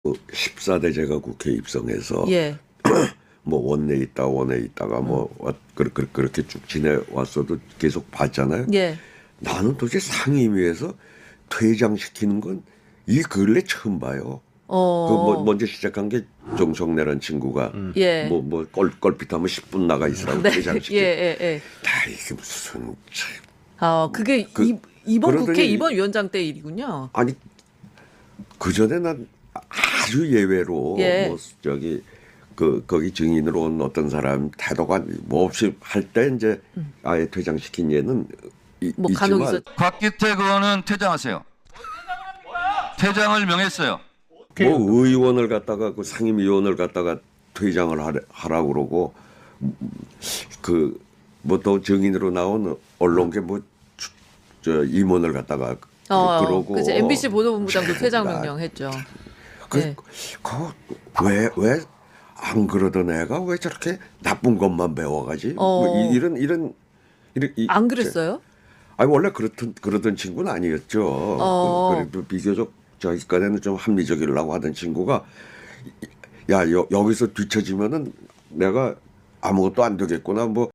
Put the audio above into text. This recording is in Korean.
14대 제가 국회에 입성해서 예. 뭐 원내에 있다가 뭐 그렇게 쭉 지내왔어도 계속 봤잖아요. 예. 나는 도대체 상임위에서 퇴장시키는 건 이 근래 처음 봐요. 먼저 시작한 게 정성래라는 친구가 예. 뭐 껄핏하면 10분 나가 있으라고 네. 퇴장시키. 예. 다 이게 무슨 그게 이번 그러더니 국회 이번 위원장 때 일이군요. 아니 그 전에 난 아주 예외로 예. 뭐 저기 거기 증인으로 온 어떤 사람 태도가 뭐 없이 할 때 이제 아예 퇴장시킨 예는 뭐 간혹 있지만 있었. 곽기택 의원은 퇴장하세요. 퇴장을 명했어요. 뭐 의원을 갖다가 그 상임위원을 갖다가 퇴장을 하라고 그러고 그 뭐 또 증인으로 나온 언론계 뭐 저 임원을 갖다가 그러고 그치. MBC 보도본부장도 퇴장 명령했죠. 네. 왜 안 그러던 애가 왜 저렇게 나쁜 것만 배워가지? 뭐 이런 안 그랬어요? 아니 원래 그러던 친구는 아니었죠. 그래도 비교적 저기까지는 좀 합리적이려고 하던 친구가 야 여기서 뒤처지면은 내가 아무것도 안 되겠구나 뭐